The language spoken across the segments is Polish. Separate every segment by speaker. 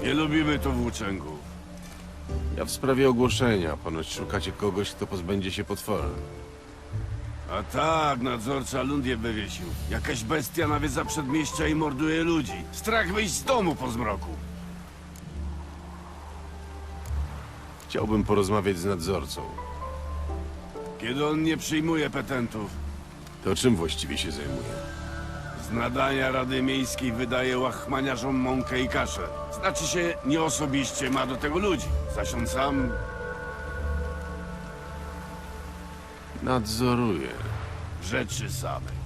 Speaker 1: Nie lubimy tu włóczęgów.
Speaker 2: Ja w sprawie ogłoszenia. Ponoć szukacie kogoś, kto pozbędzie się potwora.
Speaker 1: A tak, nadzorca ląd je wywiesił. Jakaś bestia nawiedza przedmieścia i morduje ludzi. Strach wyjść z domu po zmroku.
Speaker 2: Chciałbym porozmawiać z nadzorcą.
Speaker 1: Kiedy on nie przyjmuje petentów,
Speaker 2: To czym właściwie się zajmuje?
Speaker 1: z nadania Rady Miejskiej wydaje łachmaniarzom mąkę i kaszę. Znaczy się, nie osobiście ma do tego ludzi. Zaś on sam
Speaker 2: Nadzoruje.
Speaker 1: rzeczy samej.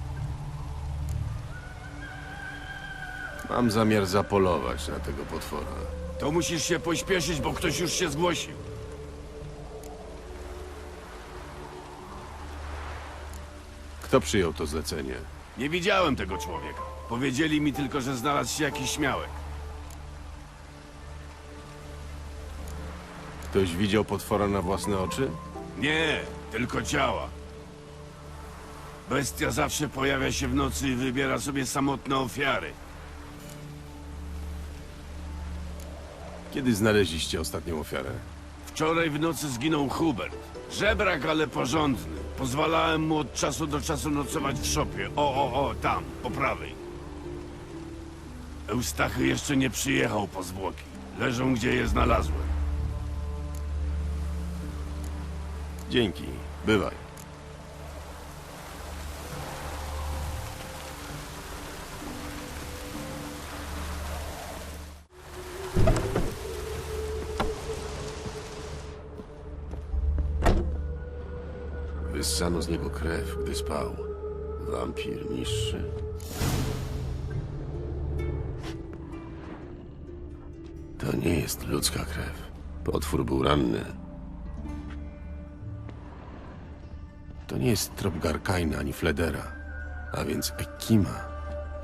Speaker 2: Mam zamiar zapolować na tego potwora.
Speaker 1: To musisz się pośpieszyć, bo ktoś już się zgłosił.
Speaker 2: Kto przyjął to zlecenie?
Speaker 1: Nie widziałem tego człowieka. Powiedzieli mi tylko, że znalazł się jakiś śmiałek.
Speaker 2: Ktoś widział potwora na własne oczy?
Speaker 1: Nie, tylko ciała. Bestia zawsze pojawia się w nocy i wybiera sobie samotne ofiary.
Speaker 2: Kiedy znaleźliście ostatnią ofiarę?
Speaker 1: Wczoraj w nocy zginął Hubert. Żebrak, ale porządny. Pozwalałem mu od czasu do czasu nocować w szopie. O, tam, po prawej. Eustachy jeszcze nie przyjechał po zwłoki. Leżą, gdzie je znalazłem.
Speaker 2: Dzięki. Bywaj. Wyssano z niego krew, gdy spał. Wampir niższy. To nie jest ludzka krew. Potwór był ranny. To nie jest trop Garkaina ani Fledera, a więc Ekima.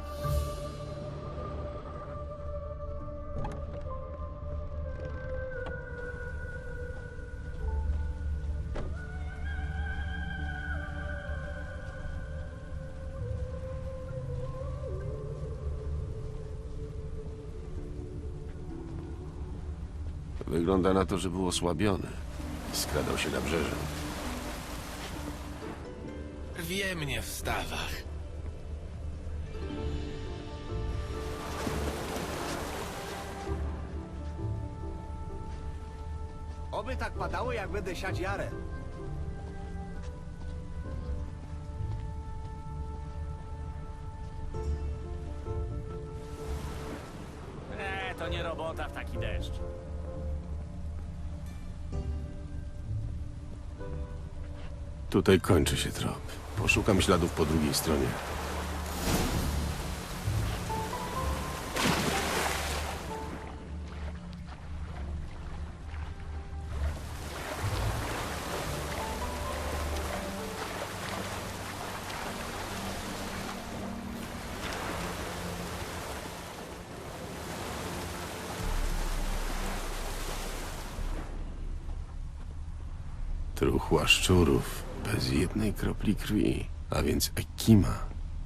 Speaker 2: Wygląda na to, że był osłabiony. Skradał się na brzeże.
Speaker 3: Rwie mnie w stawach.
Speaker 4: Oby tak padało, jak będę siać jarę.
Speaker 5: To nie robota w taki deszcz.
Speaker 2: Tutaj kończy się trop. Poszukam śladów po drugiej stronie. Truchła szczurów, bez jednej kropli krwi, a więc Ekima.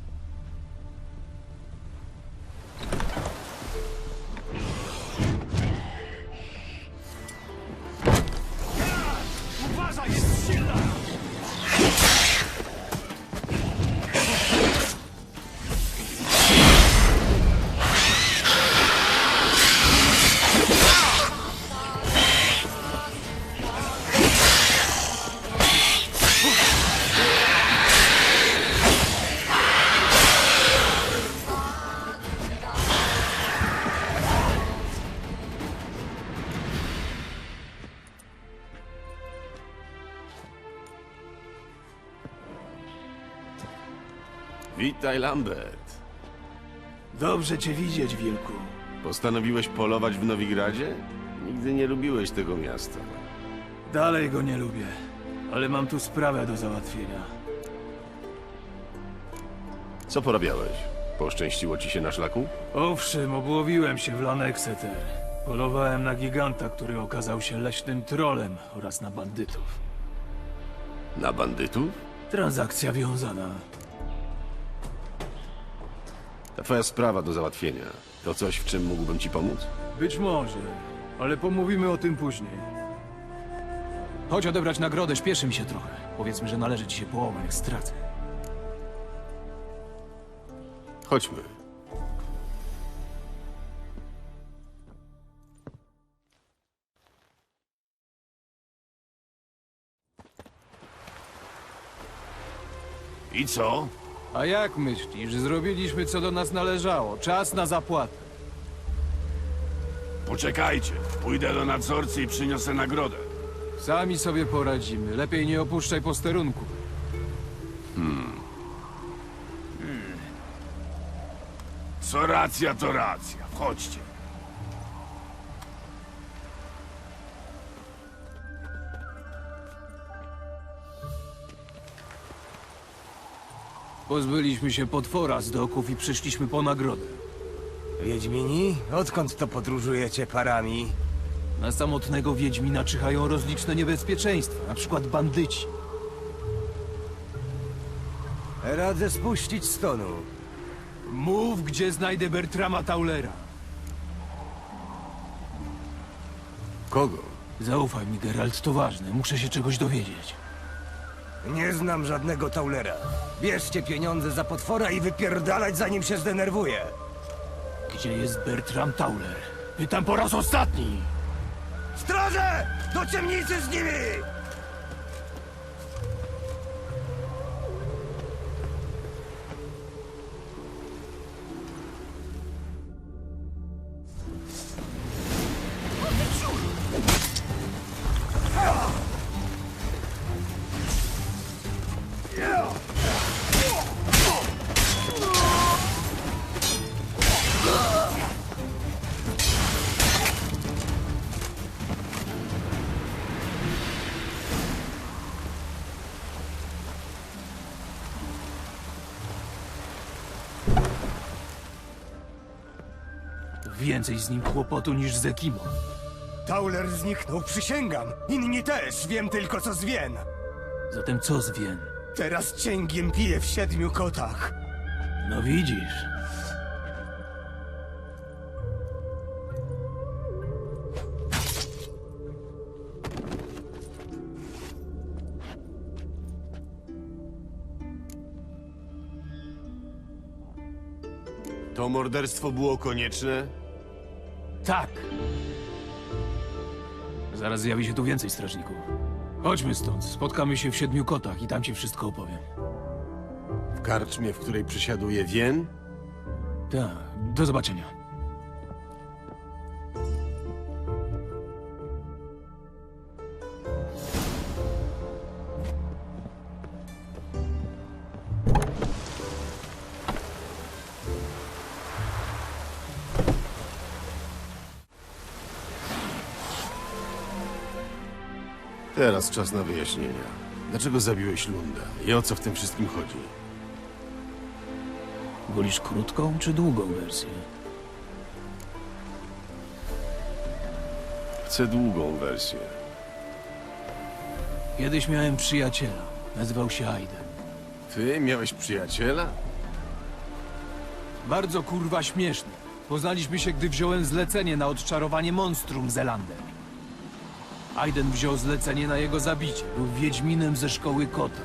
Speaker 5: Uważaj, jest silna!
Speaker 2: Witaj, Lambert.
Speaker 4: Dobrze cię widzieć, wilku.
Speaker 2: Postanowiłeś polować w Nowigradzie? Nigdy nie lubiłeś tego miasta.
Speaker 4: Dalej go nie lubię, ale mam tu sprawę do załatwienia.
Speaker 2: Co porabiałeś? Poszczęściło ci się na szlaku?
Speaker 4: Owszem, obłowiłem się w Lanexeter. Polowałem na giganta, który okazał się leśnym trolem oraz na bandytów.
Speaker 2: Na bandytów?
Speaker 4: Transakcja wiązana.
Speaker 2: To twoja sprawa do załatwienia. To coś, w czym mógłbym ci pomóc?
Speaker 4: Być może, ale pomówimy o tym później. Chodź odebrać nagrodę, śpieszy mi się trochę. Powiedzmy, że należy ci się połowa, jak stracę.
Speaker 2: Chodźmy.
Speaker 1: I co?
Speaker 4: A jak myślisz? Zrobiliśmy, co do nas należało. Czas na zapłatę.
Speaker 1: Poczekajcie. Pójdę do nadzorcy i przyniosę nagrodę.
Speaker 4: Sami sobie poradzimy. Lepiej nie opuszczaj posterunku.
Speaker 1: Co racja, to racja. Chodźcie.
Speaker 4: Pozbyliśmy się potwora z doków i przyszliśmy po nagrodę.
Speaker 6: Wiedźmini? Odkąd to podróżujecie parami?
Speaker 4: Na samotnego Wiedźmina czyhają rozliczne niebezpieczeństwa, na przykład bandyci.
Speaker 6: Radzę spuścić stonu.
Speaker 4: Mów, gdzie znajdę Bertrama Taulera.
Speaker 2: Kogo?
Speaker 4: Zaufaj mi, Geralt, to ważne. Muszę się czegoś dowiedzieć.
Speaker 6: Nie znam żadnego Taulera. Bierzcie pieniądze za potwora i wypierdalać, zanim się zdenerwuje.
Speaker 4: Gdzie jest Bertram Tauler? Pytam po raz ostatni!
Speaker 6: Straże! Do ciemnicy z nimi!
Speaker 4: Więcej z nim kłopotu niż z Ekimą.
Speaker 6: Tauler zniknął, przysięgam. Inni też, wiem tylko co z Wien.
Speaker 4: Zatem co z Wien?
Speaker 6: Teraz cięgiem piję w 7 kotach.
Speaker 4: No widzisz.
Speaker 2: To morderstwo było konieczne?
Speaker 4: Tak. Zaraz zjawi się tu więcej strażników. Chodźmy stąd. Spotkamy się w 7 kotach i tam ci wszystko opowiem.
Speaker 2: W karczmie, w której przysiaduje Wien?
Speaker 4: Tak. Do zobaczenia.
Speaker 2: Teraz czas na wyjaśnienia. Dlaczego zabiłeś Lunda i o co w tym wszystkim chodzi?
Speaker 4: Wolisz krótką czy długą wersję?
Speaker 2: Chcę długą wersję.
Speaker 4: Kiedyś miałem przyjaciela. Nazywał się Aiden.
Speaker 2: Ty miałeś przyjaciela?
Speaker 4: Bardzo kurwa śmieszny. Poznaliśmy się, gdy wziąłem zlecenie na odczarowanie monstrum Zelander. Aiden wziął zlecenie na jego zabicie. Był wiedźminem ze szkoły kota.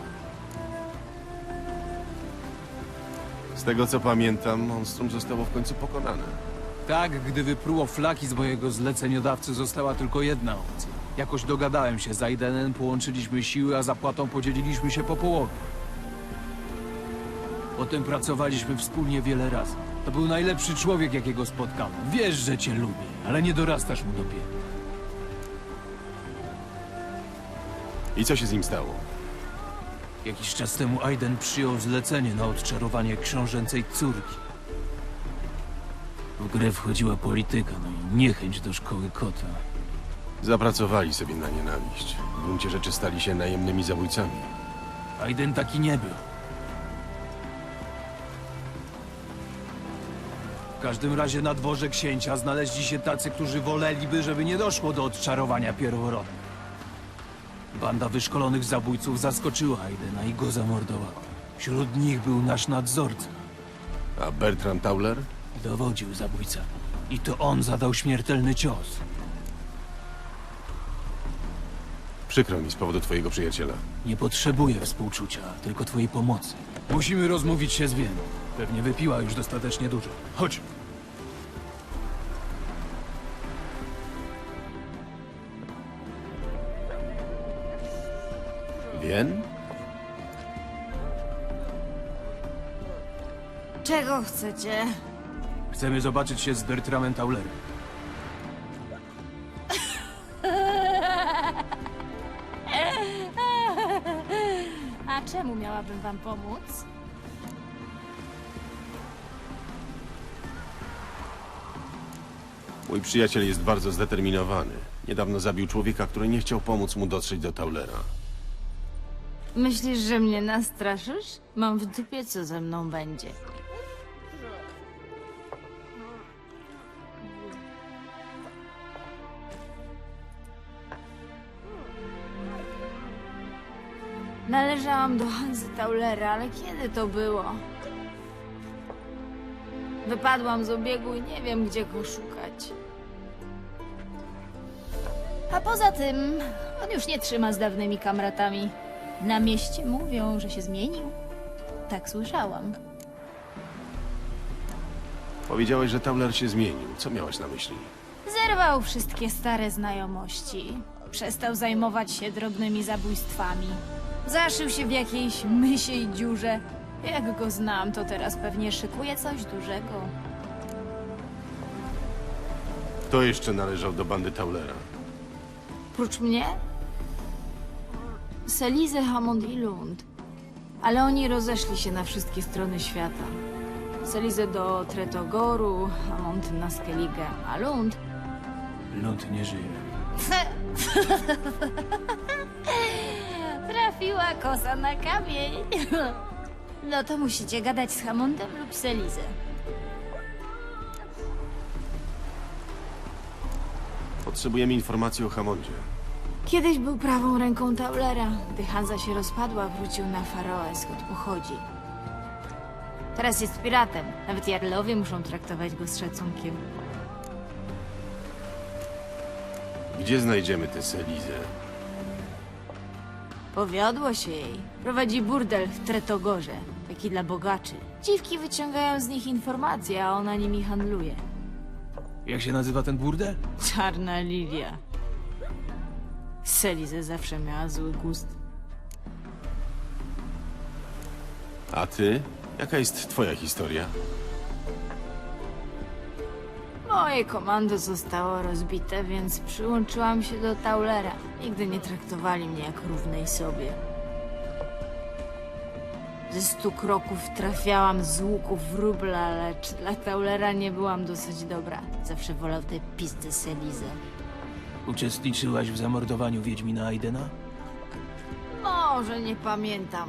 Speaker 2: Z tego co pamiętam, monstrum zostało w końcu pokonane.
Speaker 4: Tak, gdy wypruło flaki z mojego zleceniodawcy, została tylko jedna opcja. Jakoś dogadałem się z Aidenem, połączyliśmy siły, a zapłatą podzieliliśmy się po połowie. Potem pracowaliśmy wspólnie wiele razy. To był najlepszy człowiek, jakiego spotkałem. Wiesz, że cię lubię, ale nie dorastasz mu do pięt.
Speaker 2: I co się z nim stało?
Speaker 4: Jakiś czas temu Aiden przyjął zlecenie na odczarowanie książęcej córki. W grę wchodziła polityka, no i niechęć do szkoły kota.
Speaker 2: Zapracowali sobie na nienawiść. W gruncie rzeczy stali się najemnymi zabójcami.
Speaker 4: Aiden taki nie był. W każdym razie na dworze księcia znaleźli się tacy, którzy woleliby, żeby nie doszło do odczarowania pierworodnych. Banda wyszkolonych zabójców zaskoczyła Aidena i go zamordowała. Wśród nich był nasz nadzorca.
Speaker 2: A Bertram Tauler?
Speaker 4: Dowodził zabójca. I to on zadał śmiertelny cios.
Speaker 2: Przykro mi z powodu twojego przyjaciela.
Speaker 4: Nie potrzebuję współczucia, tylko twojej pomocy. Musimy rozmówić się z Wien. Pewnie wypiła już dostatecznie dużo. Chodź.
Speaker 2: Wien?
Speaker 7: Czego chcecie?
Speaker 4: Chcemy zobaczyć się z Bertramem Taulerem.
Speaker 7: A czemu miałabym wam pomóc?
Speaker 2: Mój przyjaciel jest bardzo zdeterminowany. Niedawno zabił człowieka, który nie chciał pomóc mu dotrzeć do Taulera.
Speaker 7: Myślisz, że mnie nastraszysz? Mam w dupie, co ze mną będzie. Należałam do Hansy Taulera, ale kiedy to było? Wypadłam z obiegu i nie wiem, gdzie go szukać. A poza tym, on już nie trzyma z dawnymi kamratami. Na mieście mówią, że się zmienił. Tak słyszałam.
Speaker 2: Powiedziałeś, że Tauler się zmienił. Co miałaś na myśli?
Speaker 7: Zerwał wszystkie stare znajomości. Przestał zajmować się drobnymi zabójstwami. Zaszył się w jakiejś mysiej dziurze. Jak go znam, to teraz pewnie szykuje coś dużego.
Speaker 2: Kto jeszcze należał do bandy Taulera?
Speaker 7: Prócz mnie? Selizę, Hammond i Lund. Ale oni rozeszli się na wszystkie strony świata. Selizę do Tretogoru, Hammond na Skellige, a Lund...
Speaker 4: Lund nie żyje.
Speaker 7: Trafiła kosa na kamień. No to musicie gadać z Hammondem lub Selizę.
Speaker 2: Potrzebujemy informacji o Hammondzie.
Speaker 7: Kiedyś był prawą ręką Taulera. Gdy Hansa się rozpadła, wrócił na Faroe, skąd pochodzi. Teraz jest piratem. Nawet jarlowie muszą traktować go z szacunkiem.
Speaker 2: Gdzie znajdziemy tę Selizę?
Speaker 7: Powiodło się jej. Prowadzi burdel w Tretogorze. Taki dla bogaczy. Dziwki wyciągają z nich informacje, a ona nimi handluje.
Speaker 4: Jak się nazywa ten burdel?
Speaker 7: Czarna Lilia. Selizę zawsze miała zły gust.
Speaker 2: A ty? Jaka jest twoja historia?
Speaker 7: Moje komando zostało rozbite, więc przyłączyłam się do Taulera. Nigdy nie traktowali mnie jak równej sobie. Ze 100 kroków trafiałam z łuku wróbla, lecz dla Taulera nie byłam dosyć dobra. Zawsze wolał tę pizdę Selizę.
Speaker 4: Uczestniczyłaś w zamordowaniu Wiedźmina Aidena?
Speaker 7: Może nie pamiętam.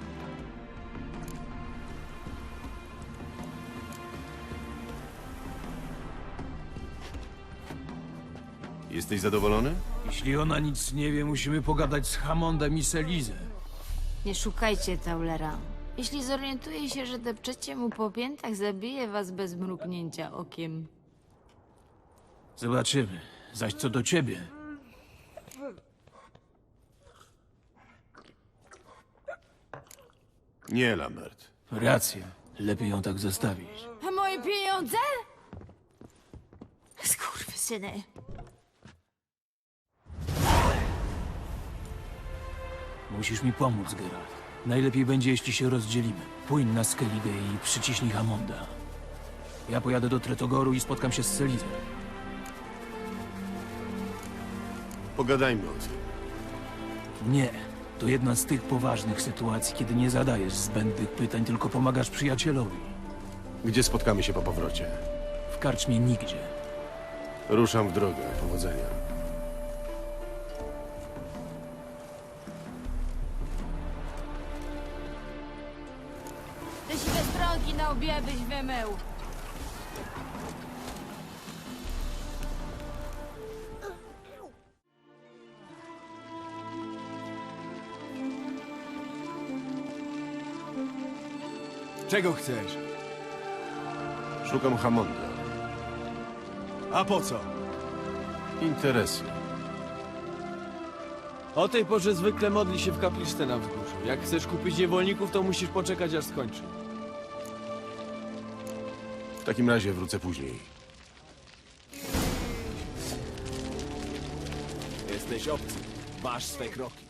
Speaker 2: Jesteś zadowolony?
Speaker 4: Jeśli ona nic nie wie, musimy pogadać z Hammondem i Selizę.
Speaker 7: Nie szukajcie Taulera. Jeśli zorientuje się, że depczecie mu po piętach, zabije was bez mrugnięcia okiem.
Speaker 4: Zobaczymy. Zaś co do ciebie,
Speaker 2: Nie, Lambert.
Speaker 4: racja. Lepiej ją tak zostawić.
Speaker 7: A moje pieniądze? Skurwysyny.
Speaker 4: Musisz mi pomóc, Geralt. Najlepiej będzie, jeśli się rozdzielimy. Płyń na Skellige i przyciśnij Hammonda. Ja pojadę do Tretogoru i spotkam się z Selizą.
Speaker 2: Pogadajmy o tym.
Speaker 4: Nie. To jedna z tych poważnych sytuacji, kiedy nie zadajesz zbędnych pytań, tylko pomagasz przyjacielowi.
Speaker 2: Gdzie spotkamy się po powrocie?
Speaker 4: W karczmie nigdzie.
Speaker 2: Ruszam w drogę. Powodzenia.
Speaker 7: Te siwe stronki na obie byś wymył.
Speaker 6: Czego chcesz?
Speaker 2: Szukam Hammonda.
Speaker 4: A po co?
Speaker 2: Interesy.
Speaker 8: O tej porze zwykle modli się w kapliczce na wzgórzu. Jak chcesz kupić niewolników, to musisz poczekać, aż skończy.
Speaker 2: W takim razie wrócę później.
Speaker 8: Jesteś obcy. Masz swe kroki.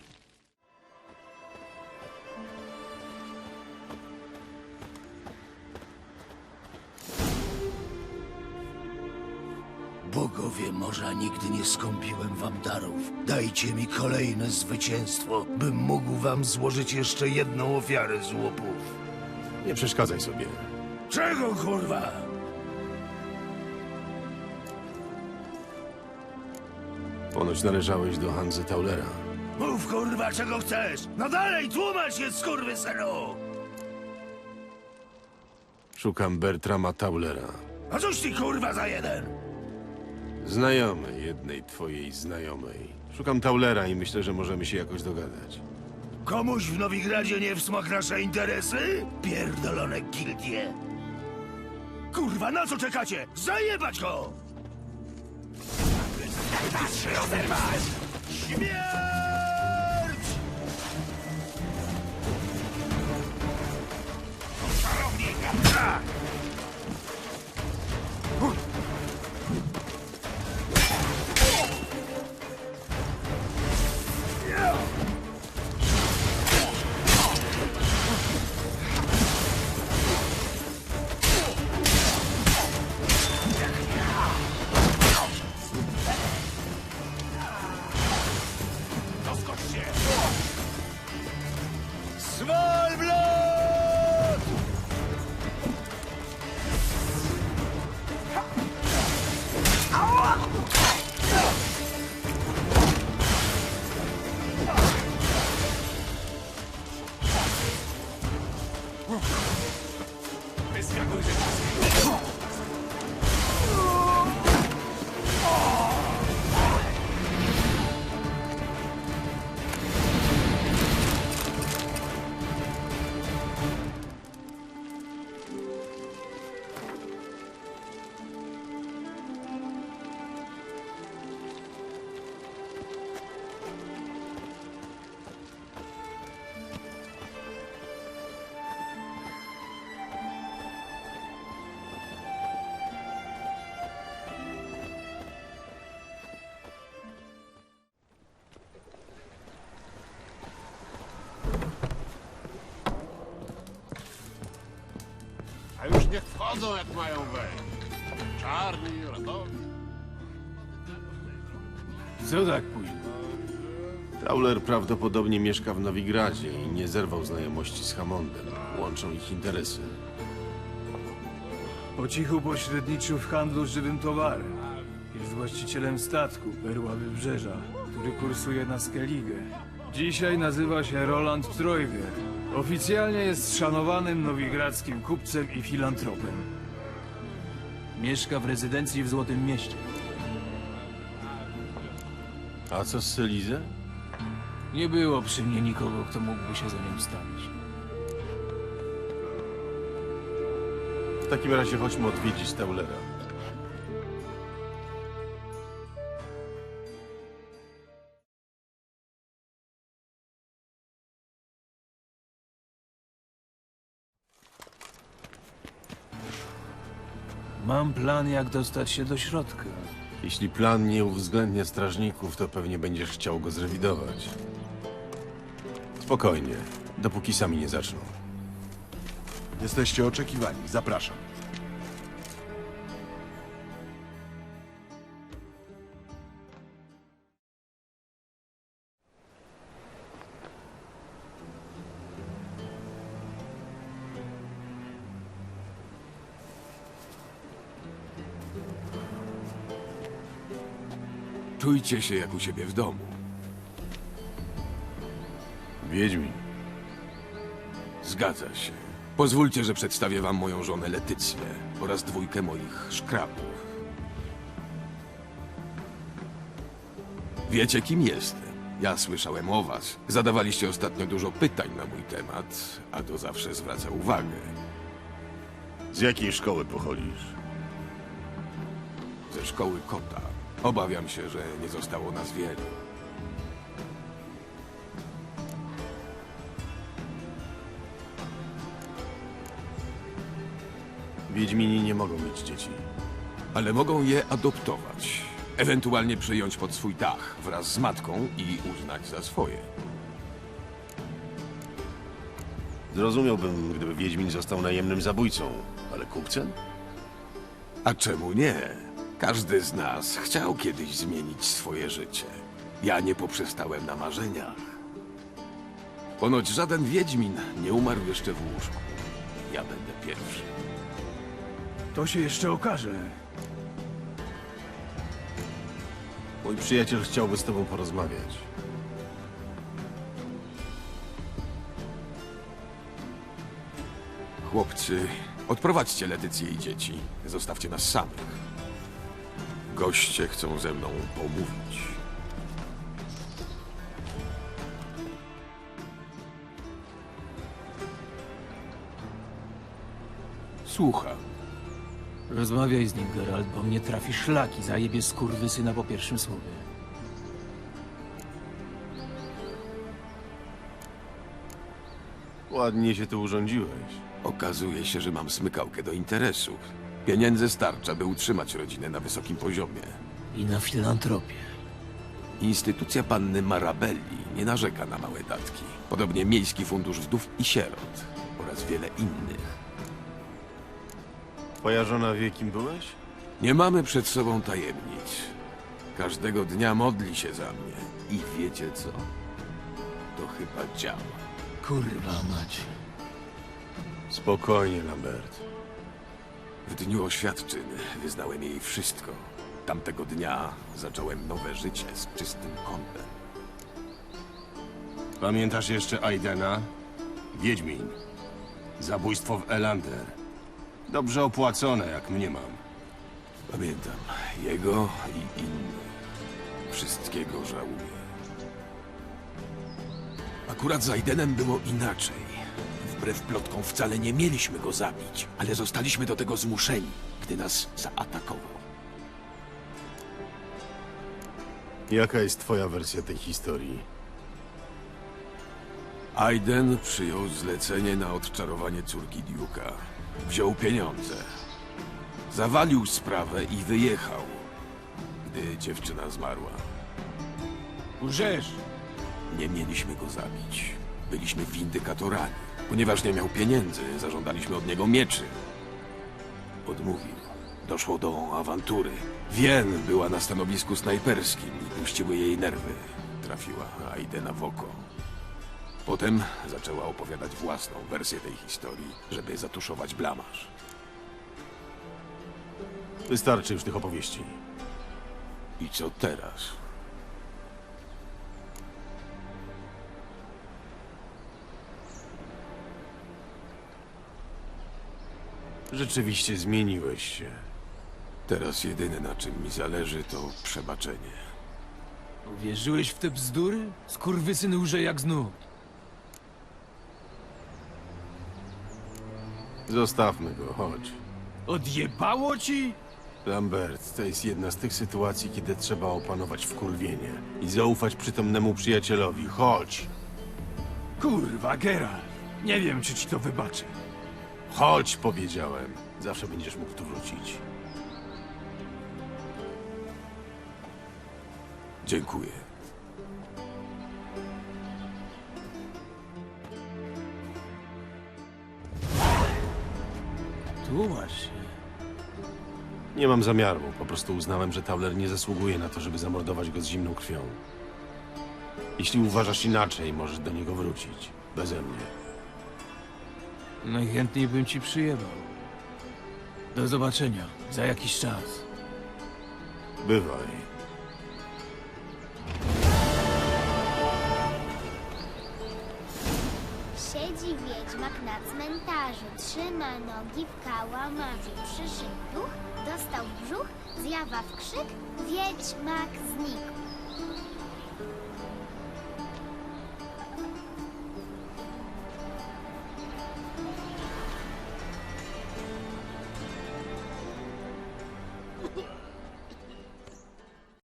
Speaker 9: Bogowie morza, nigdy nie skąpiłem wam darów. Dajcie mi kolejne zwycięstwo, bym mógł wam złożyć jeszcze jedną ofiarę z łupów.
Speaker 2: Nie przeszkadzaj sobie.
Speaker 9: Czego, kurwa?
Speaker 2: Ponoć należałeś do Hanzy Taulera.
Speaker 9: Mów, kurwa, czego chcesz! No dalej, tłumacz się, skurwysynu!
Speaker 2: Szukam Bertrama Taulera.
Speaker 9: A cóż ty, kurwa, za jeden?
Speaker 2: Znajomy jednej twojej znajomej. Szukam Taulera i myślę, że możemy się jakoś dogadać.
Speaker 9: Komuś w Nowigradzie nie w smak nasze interesy? Pierdolone gildie! Kurwa, na co czekacie? Zajebać go! Śmierć! Czarownika! Svalbard!
Speaker 1: A już niech wchodzą, jak mają wejść. Czarni, radowi.
Speaker 4: Co tak późno?
Speaker 2: Tauler prawdopodobnie mieszka w Nowigradzie i nie zerwał znajomości z Hammondem. Łączą ich interesy.
Speaker 4: Po cichu pośredniczył w handlu żywym towarem. Jest właścicielem statku Perła Wybrzeża, który kursuje na Skellige. Dzisiaj nazywa się Roland Trojger. Oficjalnie jest szanowanym nowigradzkim kupcem i filantropem. Mieszka w rezydencji w Złotym Mieście.
Speaker 2: A co z Selizę?
Speaker 4: Nie było przy mnie nikogo, kto mógłby się za nią wstawić.
Speaker 2: W takim razie chodźmy odwiedzić Taulera.
Speaker 4: Mam plan, jak dostać się do środka.
Speaker 2: Jeśli plan nie uwzględnia strażników, to pewnie będziesz chciał go zrewidować. Spokojnie, dopóki sami nie zaczną.
Speaker 10: Jesteście oczekiwani. Zapraszam.
Speaker 1: Czujcie się jak u siebie w domu.
Speaker 2: Wiedźmin.
Speaker 1: Zgadza się. Pozwólcie, że przedstawię wam moją żonę Letycję oraz dwójkę moich szkrabów. Wiecie, kim jestem? Ja słyszałem o was. Zadawaliście ostatnio dużo pytań na mój temat, a to zawsze zwraca uwagę.
Speaker 2: Z jakiej szkoły pochodzisz?
Speaker 10: Ze szkoły kota. Obawiam się, że nie zostało nas wielu.
Speaker 2: Wiedźmini nie mogą mieć dzieci.
Speaker 10: Ale mogą je adoptować. Ewentualnie przyjąć pod swój dach wraz z matką i uznać za swoje.
Speaker 2: Zrozumiałbym, gdyby Wiedźmin został najemnym zabójcą, ale kupcem?
Speaker 10: A czemu nie? Każdy z nas chciał kiedyś zmienić swoje życie. Ja nie poprzestałem na marzeniach. Ponoć żaden wiedźmin nie umarł jeszcze w łóżku. Ja będę pierwszy.
Speaker 4: To się jeszcze okaże.
Speaker 2: Mój przyjaciel chciałby z tobą porozmawiać.
Speaker 10: Chłopcy, odprowadźcie Letycję i dzieci. Zostawcie nas samych. Goście chcą ze mną pomówić. Słucham.
Speaker 11: Rozmawiaj z nim, Geralt, bo mnie trafi szlaki, zajebie skurwysyna po pierwszym słowie.
Speaker 2: Ładnie się tu urządziłeś.
Speaker 10: Okazuje się, że mam smykałkę do interesów. Pieniędzy starcza, by utrzymać rodzinę na wysokim poziomie.
Speaker 11: I na filantropię.
Speaker 10: Instytucja panny Marabelli nie narzeka na małe datki. Podobnie Miejski Fundusz Wdów i Sierot oraz wiele innych.
Speaker 2: Twoja żona wie, kim byłeś?
Speaker 10: Nie mamy przed sobą tajemnic. Każdego dnia modli się za mnie. I wiecie co? To chyba działa.
Speaker 11: Kurwa mać.
Speaker 2: Spokojnie, Lambert.
Speaker 10: W dniu oświadczyn wyznałem jej wszystko. Tamtego dnia zacząłem nowe życie z czystym kątem.
Speaker 12: Pamiętasz jeszcze Aidena? Wiedźmin. Zabójstwo w Elander. Dobrze opłacone, jak mniemam.
Speaker 10: Pamiętam jego i innych. Wszystkiego żałuję. Akurat z Aidenem było inaczej. Wbrew plotkom wcale nie mieliśmy go zabić, ale zostaliśmy do tego zmuszeni, gdy nas zaatakował.
Speaker 2: Jaka jest twoja wersja tej historii?
Speaker 10: Aiden przyjął zlecenie na odczarowanie córki Duke'a. Wziął pieniądze. Zawalił sprawę i wyjechał, gdy dziewczyna zmarła.
Speaker 4: Łżesz!
Speaker 10: Nie mieliśmy go zabić. Byliśmy windykatorami. Ponieważ nie miał pieniędzy, zażądaliśmy od niego mieczy. Odmówił. Doszło do awantury. Wien była na stanowisku snajperskim i puściły jej nerwy. Trafiła Aidena w oko. Potem zaczęła opowiadać własną wersję tej historii, żeby zatuszować blamaż.
Speaker 2: Wystarczy już tych opowieści.
Speaker 10: I co teraz?
Speaker 2: Rzeczywiście zmieniłeś się.
Speaker 10: Teraz jedyne na czym mi zależy to przebaczenie.
Speaker 11: Uwierzyłeś w te bzdury? Skurwysyn łże jak znów.
Speaker 2: Zostawmy go, chodź.
Speaker 4: Odjebało ci?
Speaker 2: Lambert, to jest jedna z tych sytuacji, kiedy trzeba opanować wkurwienie i zaufać przytomnemu przyjacielowi. Chodź!
Speaker 4: Kurwa, Geralt. Nie wiem, czy ci to wybaczę.
Speaker 2: Chodź, powiedziałem. Zawsze będziesz mógł tu wrócić.
Speaker 10: Dziękuję.
Speaker 11: Tłumacz się.
Speaker 2: Nie mam zamiaru. Po prostu uznałem, że Tauler nie zasługuje na to, żeby zamordować go z zimną krwią. Jeśli uważasz inaczej, możesz do niego wrócić. Beze mnie.
Speaker 11: Najchętniej bym ci przyjebał. Do zobaczenia. Za jakiś czas.
Speaker 2: Bywaj.
Speaker 13: Siedzi wiedźmak na cmentarzu, trzyma nogi w kałamarzu. Przyszedł duch, dostał w brzuch, zjawa w krzyk, wiedźmak znikł.